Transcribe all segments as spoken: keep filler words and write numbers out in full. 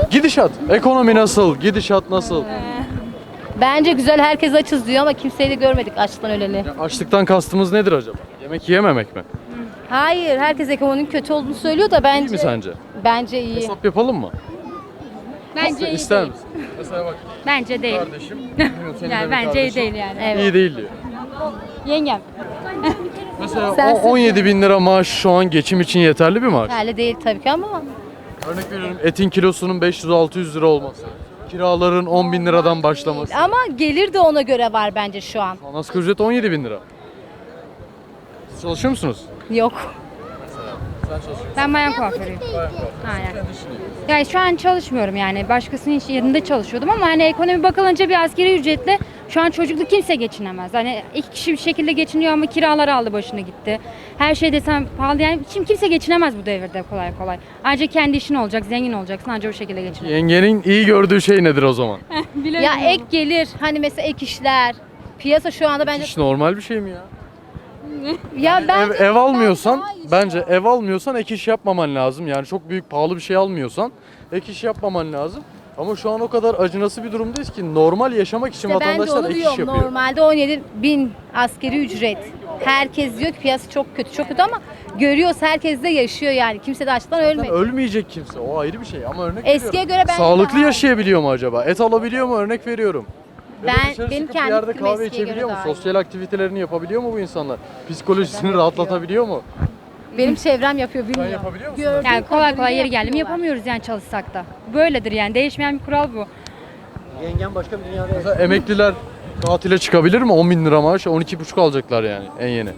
Gidişat, ekonomi nasıl? Gidişat nasıl? Bence güzel, herkes açız diyor ama kimseyi de görmedik açlıktan öleni. Ya açlıktan kastımız nedir acaba? Yemek yiyememek mi? Hayır, herkes ekonominin kötü olduğunu söylüyor da bence... İyi mi sence? Bence iyi. Hesap yapalım mı? Bence iyi İster değil. misin? Mesela bak Bence değil. kardeşim. senin de Yani bir bence iyi kardeşin değil yani. Evet. İyi değil diyor. Yengem. Mesela Sen o- on yedi bin lira maaş şu an geçim için yeterli bir maaş. Öyle değil tabii ki ama Örnek veriyorum, etin kilosunun beş yüz altı yüz lira olması. Kiraların on bin liradan başlaması. ama gelir de ona göre var bence şu an. Şu an asgari ücret on yedi bin lira. Siz çalışıyor musunuz? Yok. Sen çalışıyorsun. Ben bayan kuaförüyüm. Aynen. Yani şu an çalışmıyorum yani. Başkasının iş yerinde çalışıyordum ama hani ekonomi bakılınca bir asgari ücretle şu an çocuklu kimse geçinemez. Hani iki kişi bir şekilde geçiniyor ama kiralar aldı başını gitti. Her şey desem pahalı yani. Şimdi kimse geçinemez bu devirde kolay kolay. Ancak kendi işin olacak, zengin olacaksın ancak o şekilde geçinemez. Yengenin iyi gördüğü şey nedir o zaman? Ya ek gelir, hani mesela ek işler. Piyasa şu anda bence... Hiç normal bir şey mi ya? Ya ben Ev, ev almıyorsan, bence ev almıyorsan ek iş yapmaman lazım. Yani çok büyük pahalı bir şey almıyorsan ek iş yapmaman lazım. Ama şu an o kadar acınası bir durumdayız ki normal yaşamak için İşte ben de vatandaşlar onu ek iş diyorum. yapıyor. Normalde on yedi bin askeri ücret. Herkes diyor ki piyasa çok kötü, çok kötü ama görüyoruz, herkes de yaşıyor yani. Kimse de açlıktan Zaten ölmedi. ölmeyecek kimse, o ayrı bir şey ama örnek Eskiye veriyorum. göre bence Sağlıklı daha iyi. yaşayabiliyor mu acaba? Et alabiliyor mu? Örnek veriyorum. Ya da Ben- dışarı benim çıkıp bir kendi yerde fikrim kahve eskiye göre içebiliyor mu? daha iyi. Sosyal aktivitelerini yapabiliyor mu bu insanlar? Psikolojisini rahatlatabiliyor mu? Benim çevrem yapıyor, Sen bilmiyorum. yapabiliyor musun? Gördüğüm Yani kolay kolay kadarıyla yeri geldi mi yapıyorlar. yapamıyoruz yani çalışsak da. Böyledir yani. Değişmeyen bir kural bu. Yengem başka bir dünyada Mesela emekliler tatile çıkabilir mi? on bin lira maaş, on iki buçuk alacaklar yani en yeni.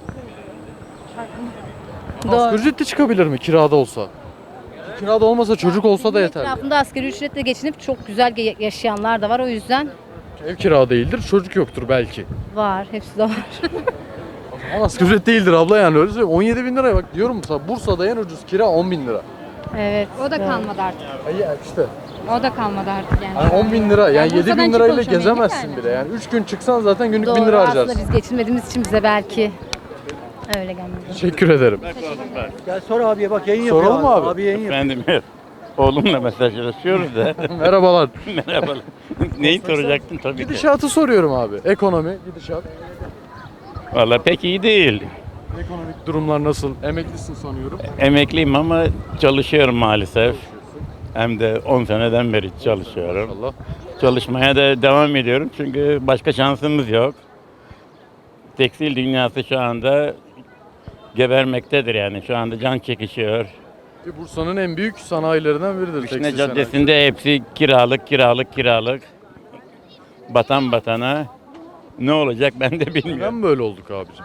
Doğru. Asgari ücretle çıkabilir mi kirada olsa? Kirada olmasa çocuk olsa da yeter. Etrafında asgari ücretle geçinip çok güzel ge- yaşayanlar da var, o yüzden Ev kira değildir, çocuk yoktur belki. var, hepsi de var. Ama asgari ücret değildir abla yani öyle söyleyeyim. on yedi bin liraya bak diyorum mesela Bursa'da en ucuz kira on bin lira. Evet. O da doğru. kalmadı artık. Ay işte. O da kalmadı artık yani. Yani on bin lira yani Yani yedi Bursa'dan bin lirayla çıkılmış gezemezsin yani. bile yani. üç gün çıksan zaten günlük bin Doğru, lira aslında harcarsın. biz geçinmediğimiz için bize belki öyle gelmedi. Teşekkür ederim. Gel sor abiye bak yayın yapıyor. Soralım mı abi? Abi yayın yapıyor. Efendim oğlumla mesajlaşıyoruz da. Merhabalar. Merhabalar. Neyi soracaktın tabii ki. Gidişatı soruyorum abi. Ekonomi, gidişat. Valla pek iyi değil. Ekonomik durumlar nasıl? Emeklisin sanıyorum. Emekliyim ama çalışıyorum maalesef. Hem de on seneden beri çalışıyorum. Allah. Çalışmaya da devam ediyorum çünkü başka şansımız yok. Tekstil dünyası şu anda gebermektedir yani. Şu anda can çekişiyor. Ki Bursa'nın en büyük sanayilerinden biridir. Vişne tekstil sanayi. Caddesi'nde hepsi kiralık, kiralık, kiralık. Batan batana. Ne olacak ben de bilmiyorum. Neden böyle olduk abicim?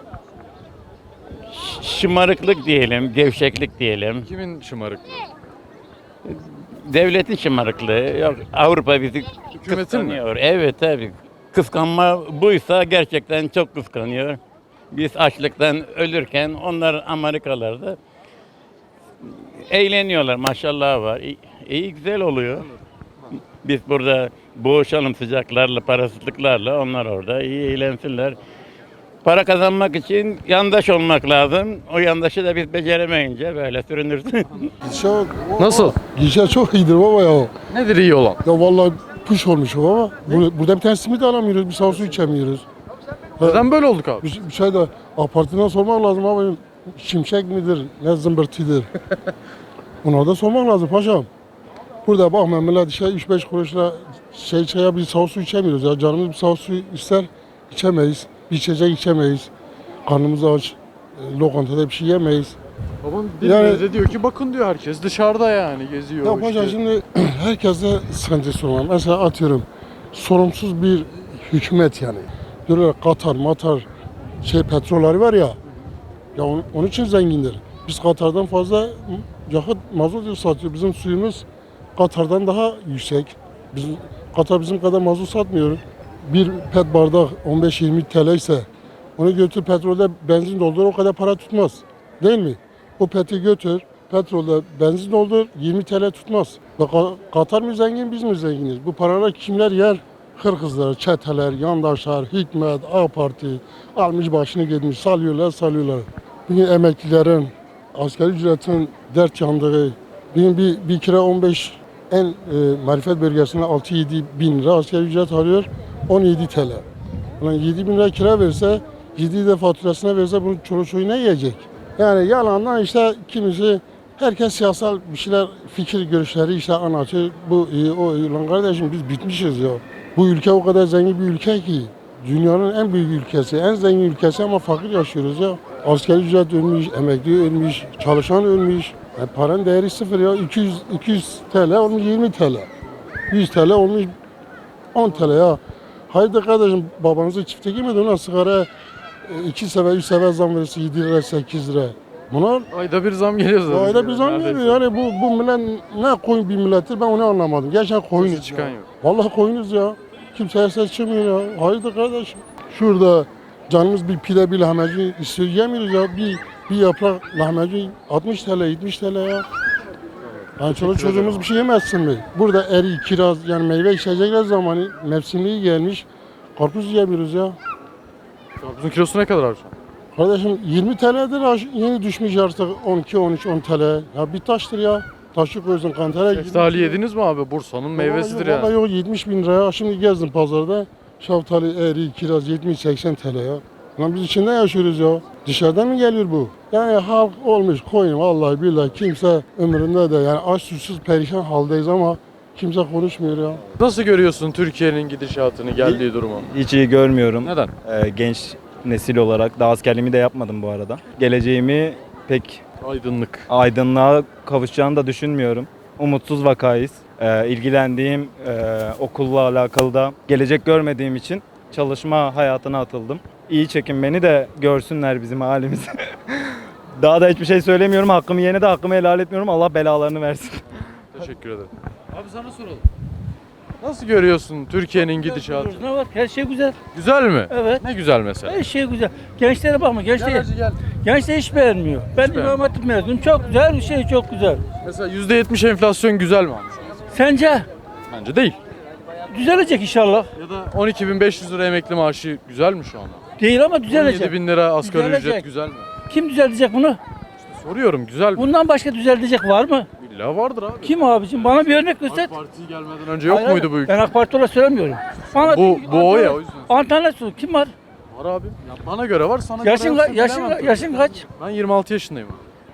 Şımarıklık diyelim, gevşeklik diyelim. Kimin şımarıklığı? Devletin şımarıklığı. Yok, Avrupa bizi Hükümetin mi? kıskanıyor. Evet tabii. Kıskanma buysa gerçekten çok kıskanıyor. Biz açlıktan ölürken onlar Amerikalarda eğleniyorlar. Maşallah var. İyi, iyi güzel oluyor. Biz burada boğuşalım sıcaklarla, parasızlıklarla. Onlar orada iyi eğlensinler. Para kazanmak için yandaş olmak lazım. O yandaşı da biz beceremeyince böyle sürünürsün. Çok, Nasıl? gişe çok iyidir baba ya. Nedir iyi olan? Ya vallahi puş olmuş baba. Burada, burada bir tane simit alamıyoruz, bir sağ su içemiyoruz. Neden böyle olduk abi? Bir, bir şey de apartından sormak lazım abi. Şimşek midir, ne zımbırtıdır? Ona da sormak lazım paşam. Burada bak millet şey üç beş kuruşla şey çaya bir sağ su içemiyoruz ya. Canımız bir sağ su ister, içemeyiz. Bir içecek içemeyiz. Karnımız aç. e, Lokantada bir şey yemeyiz. Babam Yani- bize diyor ki bakın diyor herkes dışarıda yani geziyor. Ya işte. paşa şimdi herkese sıkıntısı var. Mesela atıyorum sorumsuz bir hükümet yani. Diyorlar Katar, Matar şey petrolleri var ya. Ya onun, onun için zengindir. Biz Katar'dan fazla yakıt mazot satıyor. Bizim suyumuz Katar'dan daha yüksek. Bizim, Katar bizim kadar mazot satmıyor. Bir pet bardak on beş yirmi T L ise onu götür petrolde benzin doldur o kadar para tutmaz. Değil mi? O peti götür petrolde benzin doldur yirmi T L tutmaz. Bak Katar mı zengin biz mi zenginiz? Bu paralar kimler yer? Hırkızlar, çeteler, yandaşlar, Hikmet, A Parti almış başını gitmiş salıyorlar salıyorlar. Bugün emeklilerin asgari ücretin dert yandığı, bugün bir, bir kira on beş en e, marifet bölgesinde altı yedi bin lira asgari ücret alıyor. on yedi T L. Ulan yedi bin lira kira verse, yedi de faturasına verse bunu çoluk çocuğu ne yiyecek? Yani yalandan işte kimisi, herkes siyasal bir şeyler, fikir görüşleri işte anlatıyor. Bu iyi, o iyi. Lan kardeşim biz bitmişiz ya. Bu ülke o kadar zengin bir ülke ki. Dünyanın en büyük ülkesi, en zengin ülkesi ama fakir yaşıyoruz ya. Asgari ücret ölmüş, emekli ölmüş, çalışan ölmüş. Yani paranın değeri sıfır ya. iki yüz, iki yüz T L olmuş yirmi T L. yüz T L olmuş on T L ya. Haydi kardeşim, babanızı çifte girmedi ona sigara iki sefer, üç sefer zam verirse yedi lira, sekiz lira. Bunlar Ayda bir zam geliyor zaten. ayda bir zam Neredeyse. geliyor. Yani bu, bu millet ne koyun bir millettir ben onu anlamadım. Gerçekten koyunuz Sesi çıkan ya. yok. Vallahi koyunuz ya. Kimseye ses çıkmıyor ya. Haydi kardeşim. Şurada canımız bir pide bir lahmacun istiyor, yemiyoruz ya. Bir, bir yaprak lahmacun altmış T L, yetmiş T L ya. Yani çoluk çocuğumuz bir şey yemezsin mi? Burada eri, kiraz yani meyve içecekler zamanı mevsimliği gelmiş. Karpuz yiyemiyoruz ya. Karpuzun kilosu ne kadar abi şu an? Kardeşim yirmi T L'dir aş- yeni düşmüş artık on iki on üç on T L. Ya bir taştır ya. Taşı koysun kantara. Şeftali yediniz mi abi? Bursa'nın meyvesidir Vallahi yani. yok yetmiş bin liraya. Şimdi gezdim pazarda. Şeftali, eri, kiraz yetmiş seksen T L ya. Lan biz içinde yaşıyoruz ya. Dışarıdan mı geliyor bu? Yani halk olmuş koyun vallahi billahi kimse ömründe de yani aç susuz perişan haldeyiz ama kimse konuşmuyor ya. Nasıl görüyorsun Türkiye'nin gidişatını, geldiği durumu? Hiç iyi görmüyorum. Neden? Ee, genç nesil olarak daha askerliğimi de yapmadım bu arada. Geleceğimi pek Aydınlık. aydınlığa kavuşacağını da düşünmüyorum. Umutsuz vakayız. Ee, ilgilendiğim e, okulla alakalı da gelecek görmediğim için çalışma hayatına atıldım. İyi çekin beni de görsünler bizim halimizi. Daha da hiçbir şey söylemiyorum. Hakkımı yene de hakkımı helal etmiyorum. Allah belalarını versin. Teşekkür ederim. Abi sana soralım. Nasıl görüyorsun Türkiye'nin gidişatını? Ne var? Her şey güzel. Güzel mi? Evet. Ne güzel mesela. Her şey güzel. Gençlere bakma. Gençler, Gel hacı gel. gençler hiç beğenmiyor. Ben beğenmiyor. İmam Hatip mezunum. Çok güzel bir şey, çok güzel. Mesela yüzde yetmiş enflasyon güzel mi abi? Sence? Bence değil. Düzelecek inşallah. Ya da on iki bin beş yüz lira emekli maaşı güzel mi şu anda? Değil ama on yedi düzelecek. bin lira asgari Düzelecek. ücret güzel mi? Kim düzeltecek bunu? Soruyorum güzel mi? Bundan başka düzelecek var mı? İlla vardır abi. Kim abicim? Bana bir örnek göster. AK Parti gelmeden önce yok Hayır, muydu bu ülke? Ben AK Parti olarak söylemiyorum. Bana Bu- bir- bu o ya, o yüzden. Alternatif sor. Kim var? Var abi. Ya bana göre var, sana Yaşın, göre ka- yoksa yaşın, bilemem tabii. yaşın kaç? Ben yirmi altı yaşındayım.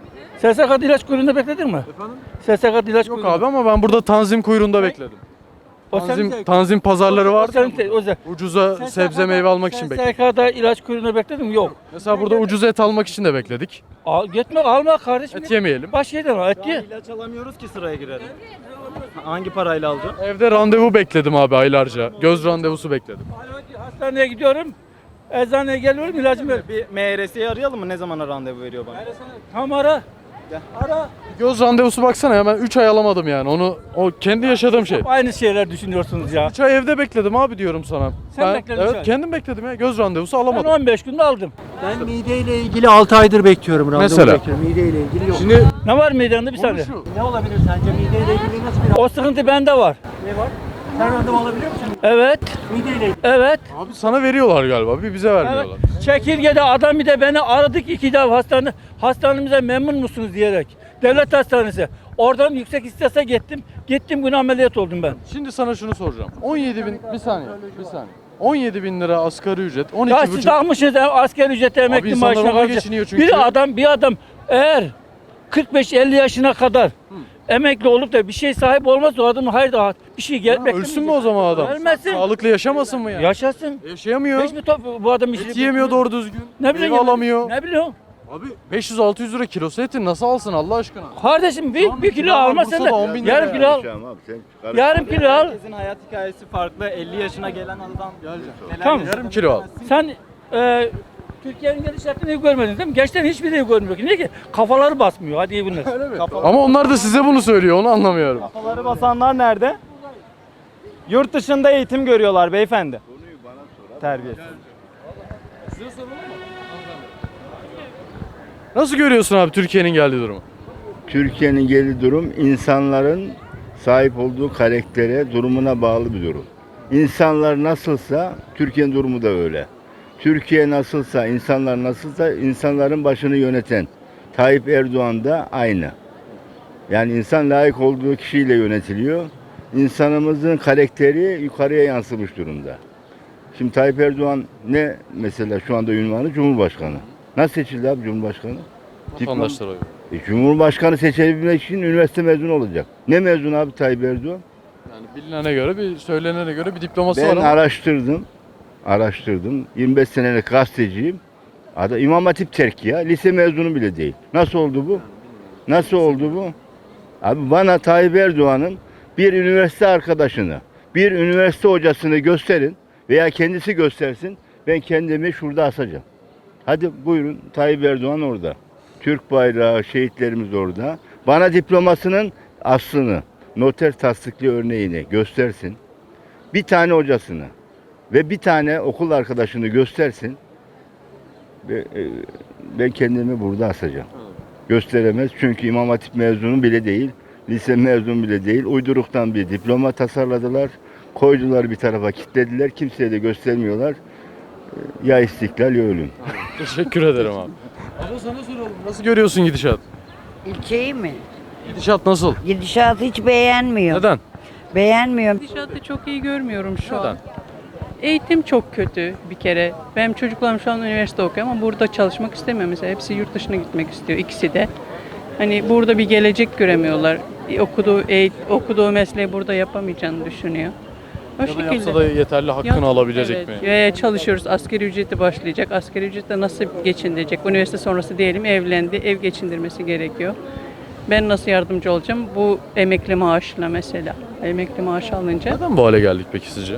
S S K'da ilaç kuyruğunda bekledin mi? Efendim? S S K'da ilaç Yok kuyruğunda. abi ama ben burada tanzim kuyruğunda bekledim. O senin Tanzim, zevkin. tanzim pazarları var. O senin te- o senin- Ucuza S S sebze K'da meyve almak için bekledim. S S K'da ilaç kuyruğunda bekledin mi? Yok. Mesela burada ucuz et almak için de bekledik. Al, gitme alma kardeşim. Et yemeyelim. Başka yerden al. Et ye. İlaç alamıyoruz ki sıraya girelim. Hangi parayla alacağım? Evde randevu bekledim abi aylarca. Göz randevusu bekledim. Hastaneye gidiyorum. Eczaneye geliyorum ilacımı ver. Bir M R S'yi arayalım mı? Ne zamana randevu veriyor bana? Tamam ara. Ara. Göz randevusu baksana ya, ben üç ay alamadım yani. Onu o kendi yaşadığım şey. Aynı şeyler düşünüyorsunuz ya. üç ay evde bekledim abi diyorum sana. Sen ben, bekledin Evet üç ay. kendim bekledim ya. Göz randevusu Ben alamadım. on beş günde aldım. Ben mideyle ilgili altı aydır bekliyorum. randevu Mesela? bekliyorum. Mideyle ilgili yok. Şimdi Ne var midende bir saniye? şu. Ne olabilir sence? Mideyle ilgili nasıl bir O sıkıntı bende var. ne var? Sen randevu alabiliyor musun? Evet. Mideyle ilgili. Evet. Abi sana veriyorlar galiba. Bir bize Evet. vermiyorlar. Çekirge'de adam bir de beni aradık iki defa hastane. Hastanemize memnun musunuz diyerek. Devlet hastanesi. Oradan yüksek istese gittim. Gittim gün ameliyat oldum ben. Şimdi sana şunu soracağım. on yedi bin bir saniye. Bir saniye. on yedi bin lira asgari ücret. on Ya iki siz buçuk. takmışsınız asgari ücreti emekli insanlar maaşına onunla kalacak. geçiniyor çünkü. Bir adam bir adam eğer kırk beş elli yaşına kadar emekli olup da bir şey sahip olmazsa o adamın hayır daha bir şey gel. Ha, ölsün mü o zaman adam? Ölmesin. Sağlıklı yaşamasın mı yani? Yaşasın. Yaşayamıyor. Hiç mi top, bu adam işi Et yiyemiyor doğru düzgün. Ne bileyim Meyve alamıyor. Ne biliyorsun? Abi beş yüz altı yüz lira kilosu etin nasıl alsın Allah aşkına? Kardeşim bir, Şu an bir bir kilo kilo var, alma sen Bursa'da on de. bin lira Yarım ya. kilo al. Yarım kilo al. Herkesin hayat hikayesi farklı. elli yaşına gelen adam neler Tamam. yaşadı Yarım kilo al. Sen e, Türkiye'nin gidişatını görmedin değil mi? Gençlerin hiçbiri görmüyor ki. Niye ki? Kafaları basmıyor. Hadi iyi bunlar. Ama onlar da size bunu söylüyor onu anlamıyorum. Kafaları basanlar nerede? Yurt dışında eğitim görüyorlar beyefendi. Terbiyesiz. Nasıl görüyorsun abi Türkiye'nin geldiği durumu? Türkiye'nin geldiği durum insanların sahip olduğu karaktere, durumuna bağlı bir durum. İnsanlar nasılsa Türkiye'nin durumu da öyle. Türkiye nasılsa, insanlar nasılsa insanların başını yöneten Tayyip Erdoğan da aynı. Yani insan layık olduğu kişiyle yönetiliyor. İnsanımızın karakteri yukarıya yansımış durumda. Şimdi Tayyip Erdoğan ne mesela şu anda ünvanı? Cumhurbaşkanı. Nasıl seçildi abi Cumhurbaşkanı? Vatandaşlar oyu. E, Cumhurbaşkanı seçebilmek için üniversite mezunu olacak. Ne mezunu abi Tayyip Erdoğan? Yani bilinene göre, bir söylenene göre bir diploması Ben var ama araştırdım. Araştırdım. yirmi beş senelik gazeteciyim. Adı İmam Hatip terk ya. Lise mezunu bile değil. Nasıl oldu bu? Nasıl oldu bu? Abi bana Tayyip Erdoğan'ın bir üniversite arkadaşını, bir üniversite hocasını gösterin veya kendisi göstersin. Ben kendimi şurada asacağım. Hadi buyurun, Tayyip Erdoğan orada. Türk bayrağı, şehitlerimiz orada. Bana diplomasının aslını, noter tasdikli örneğini göstersin. Bir tane hocasını ve bir tane okul arkadaşını göstersin. Ve, e, Ben kendimi burada asacağım. Gösteremez çünkü İmam Hatip mezunu bile değil, lise mezunu bile değil. Uyduruktan bir diploma tasarladılar, koydular bir tarafa, kilitlediler. Kimseye de göstermiyorlar. E, Ya istiklal ya ölüm. teşekkür ederim abi. Abla sana soralım. Nasıl görüyorsun gidişat? İlçeyi mi? Gidişat nasıl? Gidişatı hiç beğenmiyorum. Neden? Beğenmiyorum. Gidişatı çok iyi görmüyorum şu Neden? an. Eğitim çok kötü bir kere. Benim çocuklarım şu an üniversite okuyor ama burada çalışmak istemiyor mesela. Hepsi yurt dışına gitmek istiyor ikisi de. Hani burada bir gelecek göremiyorlar. Okuduğu eğit okuduğu mesleği burada yapamayacağını düşünüyor. O Ya da yapsa da yeterli hakkını Yap- alabilecek evet. mi? Ve çalışıyoruz. Asgari ücreti başlayacak. Asgari ücretle nasıl geçindirecek? Üniversite sonrası diyelim evlendi. Ev geçindirmesi gerekiyor. Ben nasıl yardımcı olacağım? Bu emekli maaşla mesela. Emekli maaş alınca. Neden bu hale geldik peki sizce?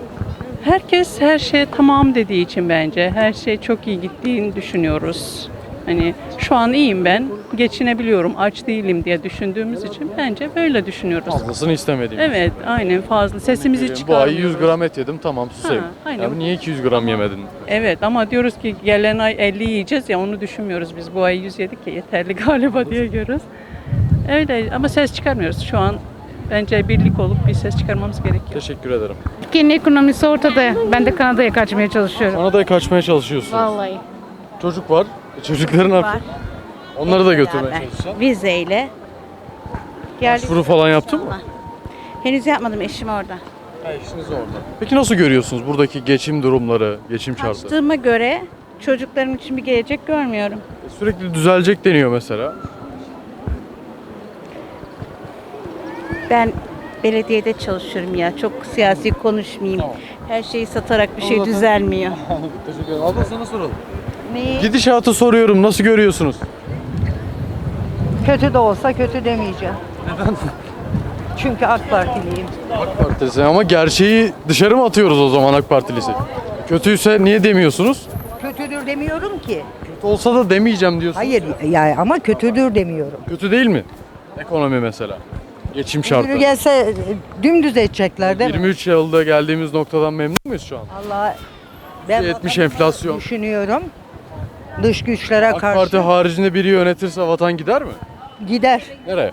Herkes her şey tamam dediği için bence. Her şey çok iyi gittiğini düşünüyoruz. Hani şu an iyiyim ben. Geçinebiliyorum. Aç değilim diye düşündüğümüz için bence böyle düşünüyoruz. Fazlasını istemediğim. Evet, aynen fazla. Sesimizi Bu ay çıkarmıyoruz. yüz gram et yedim, tamam susayım. Ha, aynen. Ya niye iki yüz gram yemedin? Evet ama diyoruz ki gelen ay elli yiyeceğiz ya onu düşünmüyoruz biz. Bu ay yüz yedik ya yeterli galiba diye görüyoruz. Öyle ama ses çıkarmıyoruz şu an. Bence birlik olup bir ses çıkarmamız gerekiyor. Teşekkür ederim. Türkiye'nin ekonomisi ortada. Ben de Kanada'ya kaçmaya çalışıyorum. Kanada'ya kaçmaya çalışıyorsunuz. Vallahi. Çocuk var. E, Çocukların ne yapıyor? Onları da götürmeye Beraber. çalışacağım. Vizeyle. Geldik. Başvuru falan yaptın mı? Henüz yapmadım, eşim orada. Ha, işiniz orada. Peki nasıl görüyorsunuz buradaki geçim durumları, geçim şartları? Açtığıma göre çocuklarım için bir gelecek görmüyorum. E, Sürekli düzelecek deniyor mesela. Ben belediyede çalışıyorum ya. Çok siyasi konuşmayayım. Tamam. Her şeyi satarak bir şey Anladım. düzelmiyor. Teşekkür ederim. Abla sana soralım. Neyi? Gidişatı soruyorum. Nasıl görüyorsunuz? Kötü de olsa kötü demeyeceğim. Neden? Çünkü AK Partiliyim. AK Partisi ama gerçeği dışarı mı atıyoruz o zaman AK Partilisi? Kötüyse niye demiyorsunuz? Kötüdür demiyorum ki. Kötü olsa da demeyeceğim diyorsunuz. Hayır yani ama kötüdür demiyorum. Kötü değil mi? Ekonomi mesela. Geçim Kötü şartları. gelse e, dümdüz edecekler değil mi? yirmi üç yılda geldiğimiz noktadan memnun muyuz şu an? Allah ben yetmiş vatanı enflasyon. düşünüyorum. Dış güçlere AK karşı Parti haricinde biri yönetirse vatan gider mi? gider. Nereye?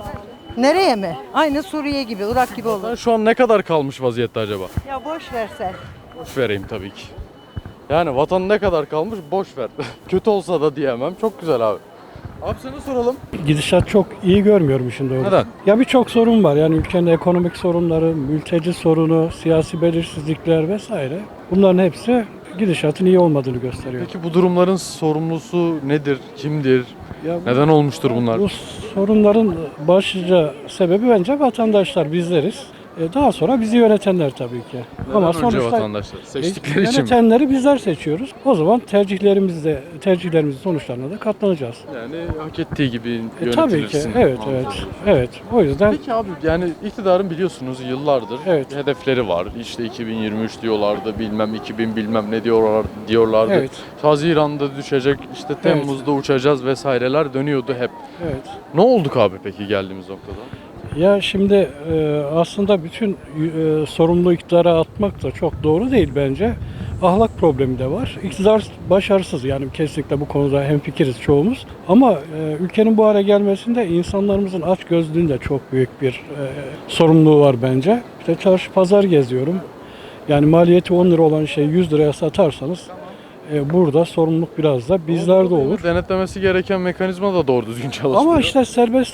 Nereye mi? Aynı Suriye gibi, Irak gibi olur. Vatan şu an ne kadar kalmış vaziyette acaba? Ya boş versen. Boş vereyim tabii ki. Yani vatan ne kadar kalmış boş ver. Kötü olsa da diyemem. Çok güzel abi. Abi sana soralım. Gidişat çok iyi görmüyorum işin doğrusu. Neden? Ya birçok sorun var. Yani ülkenin ekonomik sorunları, mülteci sorunu, siyasi belirsizlikler vesaire. Bunların hepsi gidişatın iyi olmadığını gösteriyor. Peki bu durumların sorumlusu nedir? Kimdir? Ya bu- Neden olmuştur bunlar? Bu sorunların başlıca sebebi bence vatandaşlar, bizleriz. E, Daha sonra bizi yönetenler tabii ki. Neden Ama önce sonuçta vatandaşlar? e, Seçtikleri için mi? yönetenleri bizler seçiyoruz. O zaman tercihlerimizde tercihlerimizin sonuçlarına da katlanacağız. Yani hak ettiği gibi E, tabii ki. yönetilirsin. Evet, Anladım. evet. Evet. O yüzden Peki abi yani iktidarın biliyorsunuz yıllardır Evet. hedefleri var. İşte iki bin yirmi üç diyorlardı, bilmem iki bin bilmem ne diyorlar diyorlardı. evet. Haziran'da düşecek, işte Temmuz'da uçacağız vesaireler dönüyordu hep. Evet. Ne olduk abi peki geldiğimiz noktada? Ya şimdi e, aslında bütün e, sorumluluğu iktidara atmak da çok doğru değil bence. Ahlak problemi de var. İktidar başarısız, yani kesinlikle bu konuda hemfikiriz çoğumuz. Ama e, ülkenin bu hale gelmesinde insanlarımızın açgözlülüğün de çok büyük bir e, sorumluluğu var bence. İşte çarşı pazar geziyorum. Yani maliyeti on lira olan şeyi yüz liraya satarsanız e, burada sorumluluk biraz da bizlerde olur. Denetlemesi gereken mekanizma da doğru düzgün çalışmıyor. Ama işte serbest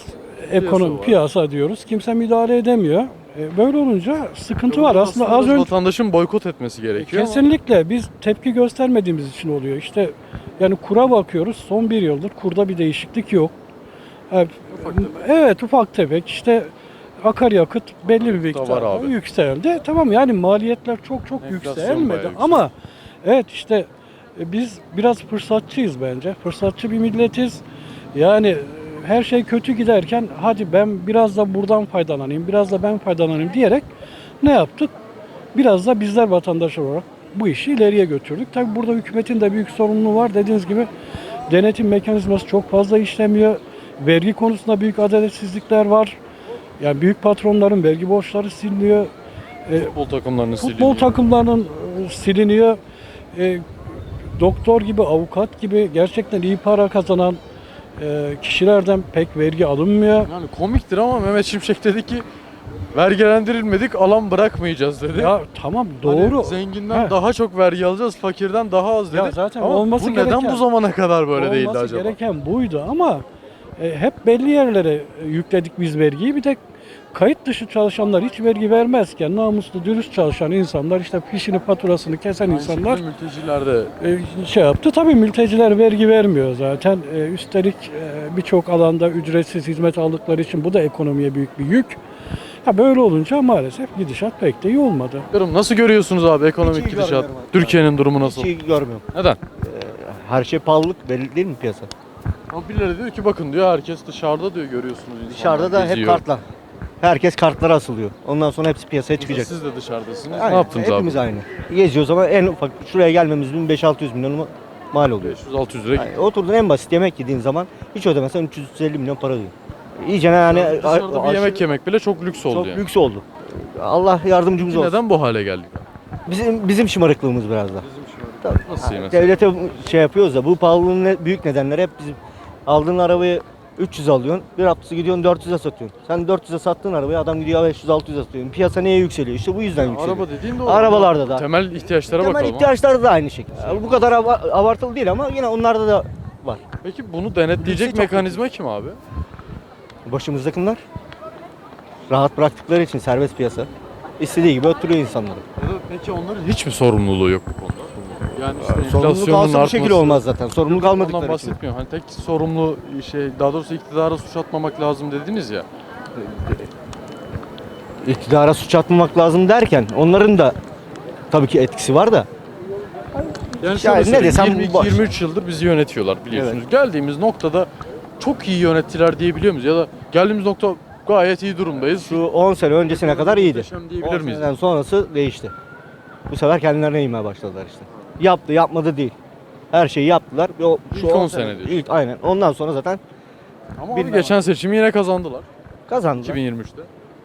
ekonomi, var. piyasa diyoruz. Kimse müdahale edemiyor. E, böyle olunca sıkıntı var. Aslında az önce vatandaşın boykot etmesi gerekiyor. ama kesinlikle biz tepki göstermediğimiz için oluyor. İşte yani kura bakıyoruz. Son bir yıldır kurda bir değişiklik yok. Evet, evet ufak tefek işte akaryakıt belli bir var miktarda abi. yükseldi. Tamam yani maliyetler çok çok Enflasyon yükselmedi bayağı yükseldi. ama evet işte e, biz biraz fırsatçıyız bence. Fırsatçı bir milletiz. Yani e, her şey kötü giderken hadi ben biraz da buradan faydalanayım, biraz da ben faydalanayım diyerek ne yaptık? Biraz da bizler vatandaş olarak bu işi ileriye götürdük. Tabii burada hükümetin de büyük sorumluluğu var. Dediğiniz gibi denetim mekanizması çok fazla işlemiyor. Vergi konusunda büyük adaletsizlikler var. Yani büyük patronların vergi borçları siliniyor. E, futbol takımlarının futbol siliniyor. takımlarının e, siliniyor. E, doktor gibi, avukat gibi gerçekten iyi para kazanan e, kişilerden pek vergi alınmıyor. Yani komiktir ama Mehmet Şimşek dedi ki vergilendirilmedik, alan bırakmayacağız dedi. Ya tamam Hani doğru. zenginden He. daha çok vergi alacağız, fakirden daha az dedi. Ya zaten ama olması bu neden gereken- bu zamana kadar böyle değildi Olması acaba? gereken buydu ama e, hep belli yerlere e, yükledik biz vergiyi. Bir de kayıt dışı çalışanlar hiç vergi vermezken namuslu, dürüst çalışan insanlar işte fişini, faturasını kesen Aynı insanlar şekilde mülteciler de e, şey yaptı. Tabii mülteciler vergi vermiyor zaten. E, üstelik e, birçok alanda ücretsiz hizmet aldıkları için bu da ekonomiye büyük bir yük. Ha böyle olunca maalesef gidişat pek de iyi olmadı. Bilmiyorum, nasıl görüyorsunuz abi ekonomik Hiç iyi gidişat? görmüyorum abi. Türkiye'nin durumu nasıl? Hiç iyi görmüyorum. Neden? Her şey pahalılık belli değil mi piyasa? Ama birileri diyor ki bakın diyor herkes dışarıda diyor görüyorsunuz insanlar Dışarıda da hep geziyor. kartlar. Herkes kartlara asılıyor. Ondan sonra hepsi piyasaya çıkacak. Siz de dışarıdasınız. Aynen, Ne yaptınız hepimiz abi? aynı. Geziyoruz ama en ufak şuraya gelmemiz bin beş altı yüz milyon mal oluyor. beş yüz altı yüz lira. Yani oturdun en basit yemek yediğin zaman hiç ödemesen üç yüz elli milyon para ödüyor. İyice yani Dışarıda bir aşırı- yemek yemek bile çok lüks oldu çok yani. lüks oldu. Allah yardımcımız olsun. Neden bu hale geldik? Bizim bizim şımarıklığımız biraz da. Tabii. Nasıl yani? Devlete şey yapıyoruz da bu pahalılığın ne- büyük nedenleri hep bizim. Aldığın arabayı üç yüz alıyorsun, bir haftası gidiyorsun dört yüze satıyorsun. Sen dört yüze sattığın arabayı adam gidiyor beş yüz altı yüze satıyor. Piyasa neye yükseliyor? İşte bu yüzden yükseliyor. Araba dediğin de o. Arabalarda da. Temel ihtiyaçlara Temel bakalım. ihtiyaçları da aynı şekilde. Bu kadar ava- abartılı değil ama yine onlarda da var. Peki bunu denetleyecek Lüksü çok mekanizma kim abi? Başımızdakiler rahat bıraktıkları için serbest piyasa. İstediği gibi öttürüyor insanları. Ya da peki onların hiç mi sorumluluğu yok bu konuda? Yani işte Sorumluluk enflasyonun alsa bu şekilde artması- olmaz zaten. Sorumluluk Ondan almadıkları için. bahsetmiyorum. Hani tek sorumlu şey, daha doğrusu iktidara suç atmamak lazım dediniz ya. İktidara suç atmamak lazım derken onların da tabii ki etkisi var da. Yani şöyle ne söyleyeyim, desem yirmi iki boş. yirmi üç yıldır bizi yönetiyorlar biliyorsunuz. Geldiğimiz noktada çok iyi yönettiler diyebiliyor muyuz? Ya da geldiğimiz nokta gayet iyi durumdayız. Şu on sene öncesine kadar iyiydi. Muhteşem diyebilir on miyiz? seneden sonrası değişti. Bu sefer kendilerine inmeye başladılar işte. Yaptı, yapmadı değil. Her şeyi yaptılar. O, İlk on sene diyorsun. İlk, aynen. Ondan sonra zaten Ama abi Bilmem. geçen seçimi yine kazandılar. kazandılar. iki bin yirmi üçte.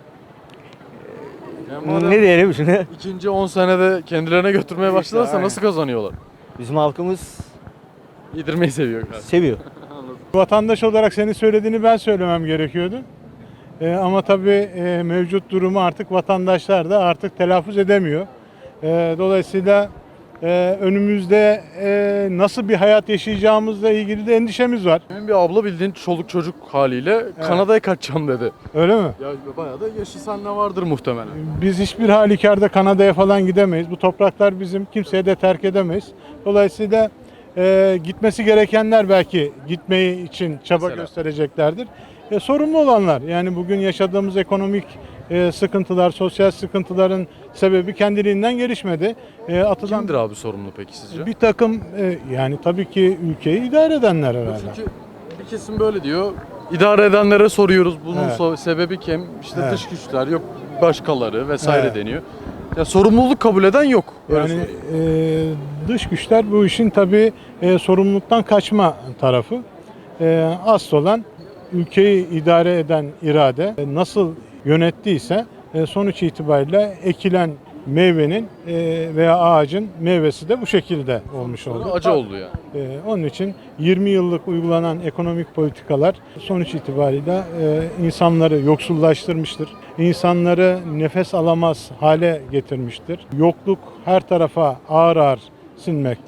Yani madem Ne diyelim şimdi? ikinci on senede kendilerine götürmeye başlarsa aynen. nasıl kazanıyorlar? Bizim halkımız Yedirmeyi seviyor galiba. seviyor. Vatandaş olarak senin söylediğini ben söylemem gerekiyordu. Ee, ama tabii e, mevcut durumu artık vatandaşlar da artık telaffuz edemiyor. Ee, dolayısıyla e, önümüzde e, nasıl bir hayat yaşayacağımızla ilgili de endişemiz var. Benim bir abla bildiğin çoluk çocuk haliyle Kanada'ya kaçacağım dedi. Öyle mi? Ya bayağı da yaşı seninle vardır muhtemelen. Biz hiçbir halükarda Kanada'ya falan gidemeyiz. Bu topraklar bizim, kimseye de terk edemeyiz. Dolayısıyla e, gitmesi gerekenler belki gitmeyi için çaba Mesela? göstereceklerdir. E, sorumlu olanlar, yani bugün yaşadığımız ekonomik e, sıkıntılar, sosyal sıkıntıların sebebi kendiliğinden gelişmedi. E, atılan Kimdir abi sorumlu peki sizce? bir takım e, yani tabii ki ülkeyi idare edenler herhalde. Çünkü bir kesim böyle diyor. İdare edenlere soruyoruz. Bunun Evet. so- sebebi kim? İşte Evet. dış güçler, yok başkaları vesaire Evet. deniyor. Ya sorumluluk kabul eden yok. Öyle Yani söyleyeyim. e, dış güçler bu işin tabii e, sorumluluktan kaçma tarafı. E, asıl olan ülkeyi idare eden irade e, nasıl yönettiyse e, sonuç itibariyle ekilen meyvenin e, veya ağacın meyvesi de bu şekilde olmuş oldu. Acı oldu yani. E, onun için yirmi yıllık uygulanan ekonomik politikalar sonuç itibariyle e, insanları yoksullaştırmıştır. İnsanları nefes alamaz hale getirmiştir. Yokluk her tarafa ağır ağır sinmekte.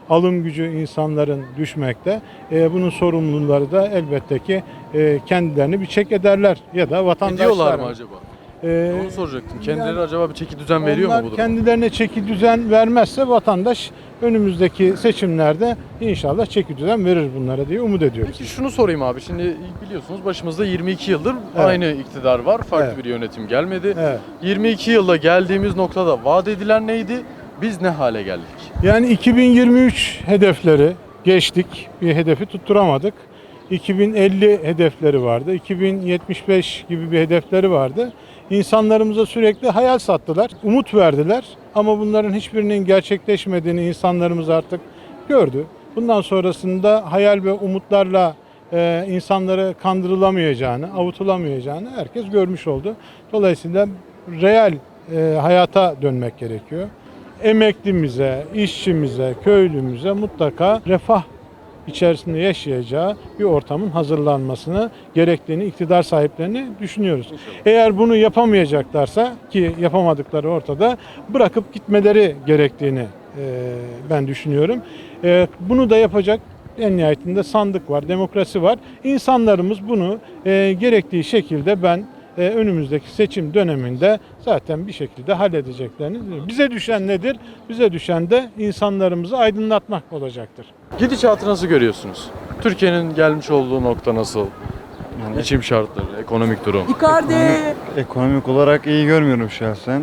alım gücü insanların düşmekte. E, bunun sorumluları da elbette ki e, kendilerini bir çek ederler ya da vatandaşlar. Ediyorlar mı acaba? E, Onu soracaktım. Kendileri yani acaba bir çeki düzen veriyor mu onlar bu duruma? kendilerine çeki düzen vermezse vatandaş önümüzdeki seçimlerde inşallah çeki düzen verir bunlara diye umut ediyoruz. Peki şunu sorayım abi. Şimdi biliyorsunuz başımızda yirmi iki yıldır Evet. aynı iktidar var. Farklı Evet. bir yönetim gelmedi. Evet. yirmi iki yılda geldiğimiz noktada vaat edilen neydi? Biz ne hale geldik? Yani iki bin yirmi üç hedefleri geçtik. Bir hedefi tutturamadık. iki bin elli hedefleri vardı. iki bin yetmiş beş gibi bir hedefleri vardı. İnsanlarımıza sürekli hayal sattılar, umut verdiler. Ama bunların hiçbirinin gerçekleşmediğini insanlarımız artık gördü. Bundan sonrasında hayal ve umutlarla e, insanları kandırılamayacağını, avutulamayacağını herkes görmüş oldu. Dolayısıyla real e, hayata dönmek gerekiyor. Emeklimize, işçimize, köylümüze mutlaka refah içerisinde yaşayacağı bir ortamın hazırlanmasını gerektiğini iktidar sahiplerini düşünüyoruz. Eğer bunu yapamayacaklarsa ki yapamadıkları ortada bırakıp gitmeleri gerektiğini e, ben düşünüyorum. E, bunu da yapacak en nihayetinde sandık var, demokrasi var. İnsanlarımız bunu e, gerektiği şekilde ben e, önümüzdeki seçim döneminde zaten bir şekilde halledeceklerini düşünüyorum. Bize düşen nedir? Bize düşen de insanlarımızı aydınlatmak olacaktır. Gidişatı nasıl görüyorsunuz? Türkiye'nin gelmiş olduğu nokta nasıl? Yani Geçim şartları, ekonomik durum. Ekonomik, ekonomik olarak iyi görmüyorum şahsen.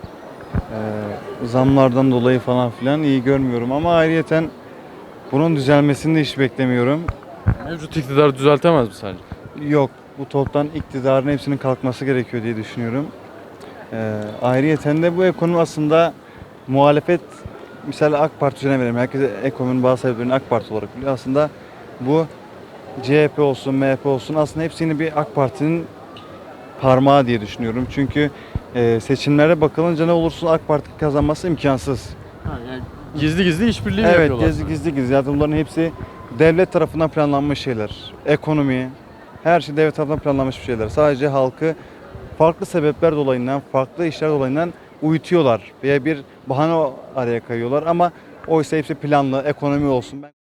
Ee, zamlardan dolayı falan filan iyi görmüyorum ama ayrıyeten bunun düzelmesini de hiç beklemiyorum. Mevcut iktidar düzeltemez mi sence? Yok, bu toptan iktidarın hepsinin kalkması gerekiyor diye düşünüyorum. Ee, ayrıyeten de bu ekonomi aslında muhalefet, misal AK Parti üzerine verelim. Herkes ekonominin bazı sebeplerini AK Parti olarak biliyor. Aslında bu C H P olsun, M H P olsun aslında hepsini bir AK Parti'nin parmağı diye düşünüyorum. Çünkü e, seçimlere bakılınca ne olursa AK Parti kazanması imkansız. Gizli gizli işbirliği Evet, yapıyorlar. gizli gizli gizli. Zaten bunların hepsi devlet tarafından planlanmış şeyler. Ekonomi, her şey devlet tarafından planlanmış bir şeyler. Sadece halkı farklı sebepler dolayından, farklı işler dolayından uyutuyorlar veya bir bahane araya kayıyorlar ama oysa hepsi planlı, ekonomi olsun.